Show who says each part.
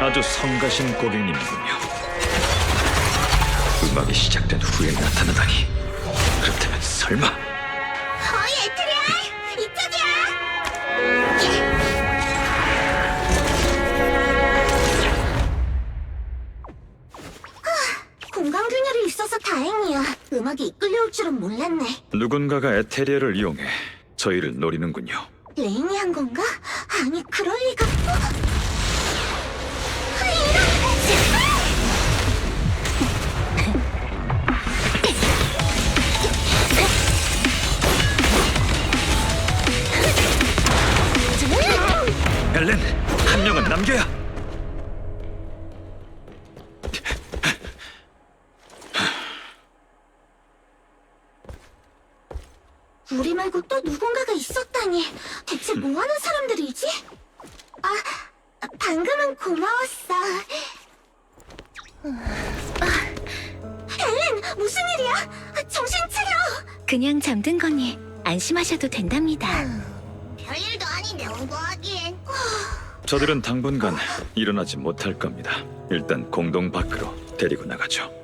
Speaker 1: 아주 성가신 고객님이군요. 음악이 시작된 후에 나타나다니. 그렇다면 설마
Speaker 2: 어이 에트리얼! 이쪽이야! 공간균열이 있어서 다행이야. 음악이 이끌려올 줄은 몰랐네.
Speaker 1: 누군가가 에테리얼을 이용해 저희를 노리는군요.
Speaker 2: 레인이 한 건가? 아니 그럴 리가.
Speaker 1: 엘렌, 한 명은 남겨야.
Speaker 2: 우리 말고 또 누군가가 있었다니. 대체 뭐하는 사람들이지? 방금은 고마웠어. 엘렌, 무슨 일이야? 정신 차려.
Speaker 3: 그냥 잠든 거니 안심하셔도 된답니다.
Speaker 2: 별일도 아닌데 오버하기엔.
Speaker 1: 저들은 당분간 일어나지 못할 겁니다. 일단 공동 밖으로 데리고 나가죠.